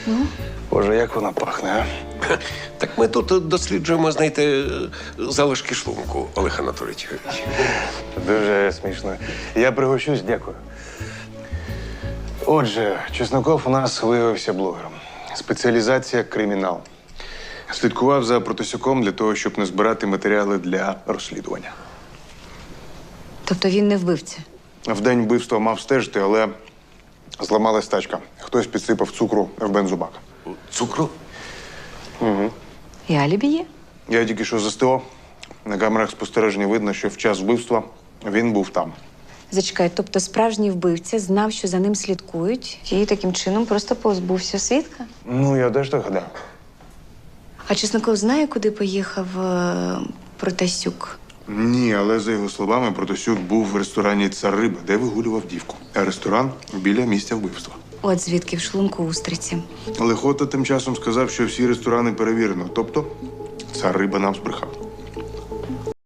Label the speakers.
Speaker 1: Боже, як вона пахне, а?
Speaker 2: Так ми тут досліджуємо, знаєте, залишки шлунку, Олег Анатолійович.
Speaker 1: Дуже смішно. Я пригощусь, дякую. Отже, Чесноков у нас виявився блогером. Спеціалізація кримінал. Слідкував за Протасюком для того, щоб не збирати матеріали для розслідування.
Speaker 3: Тобто він не вбивця?
Speaker 1: В день вбивства мав стежити, але зламалась тачка. Хтось підсипав цукру в бензобак.
Speaker 2: Цукру?
Speaker 3: І алібі є?
Speaker 1: Я тільки що з СТО. На камерах спостереження видно, що в час вбивства він був там.
Speaker 3: Зачекай, тобто справжній вбивця знав, що за ним слідкують, і таким чином просто позбувся свідка?
Speaker 1: Ну, я теж так гадаю.
Speaker 3: А Чесноков знає, куди поїхав Протасюк?
Speaker 1: Ні, але за його словами, Протасюк був в ресторані «Цар Риба», де вигулював дівку. А ресторан біля місця вбивства.
Speaker 3: От звідки в шлунку устриці.
Speaker 1: Лихота тим часом сказав, що всі ресторани перевірено. Тобто, «Цар Риба» нам збрехав.